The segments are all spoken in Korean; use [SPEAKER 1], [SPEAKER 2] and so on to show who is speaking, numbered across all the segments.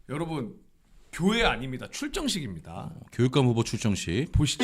[SPEAKER 1] 여러분 교회 아닙니다. 출정식입니다.
[SPEAKER 2] 교육감 후보 출정식
[SPEAKER 1] 보시죠.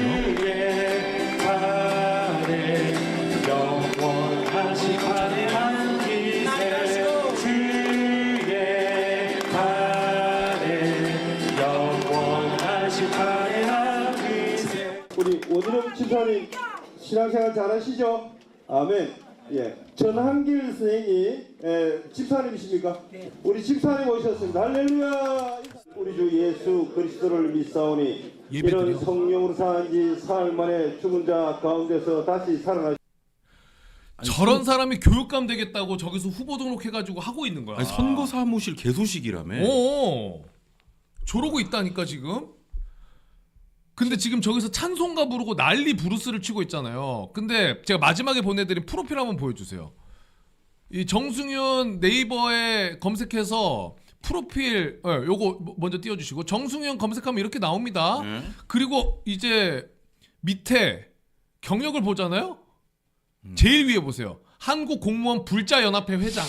[SPEAKER 3] 우리 오진영 집사님 신앙생활 잘하시죠? 아멘. 예, 전한길 선생님 집사님이십니까? 네. 우리 집사님 오셨습니다. 할렐루야. 우리 주 예수 그리스도를 믿사오니 이런 성령으로 산지 사흘 만에 죽은 자 가운데서 다시 살아나.
[SPEAKER 1] 저런 사람이 교육감 되겠다고 저기서 후보 등록해가지고 하고 있는 거야.
[SPEAKER 2] 아니, 선거 사무실 개소식이라며.
[SPEAKER 1] 오, 저러고 있다니까 지금. 근데 지금 저기서 찬송가 부르고 난리 부르스를 치고 있잖아요. 근데 제가 마지막에 보내드린 프로필 한번 보여주세요. 이 정승윤 네이버에 검색해서 프로필 요거 먼저 띄워주시고 정승윤 검색하면 이렇게 나옵니다. 그리고 이제 밑에 경력을 보잖아요. 제일 위에 보세요. 한국공무원 불자연합회 회장.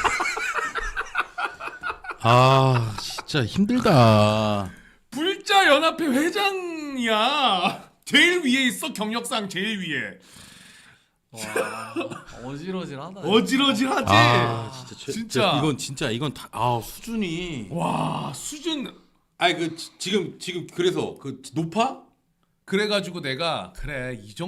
[SPEAKER 2] 아 진짜 힘들다.
[SPEAKER 1] 불자연합회 회장이야. 제일 위에 있어. 경력상 제일 위에.
[SPEAKER 4] 와, 어지러질하다.
[SPEAKER 1] 어지러질하지.
[SPEAKER 2] 아 진짜
[SPEAKER 1] 진짜.
[SPEAKER 2] 이건 다 수준이.
[SPEAKER 1] 와 수준.
[SPEAKER 2] 아니 지금 그래서 높아?
[SPEAKER 1] 그래가지고 내가 그래 이 정도.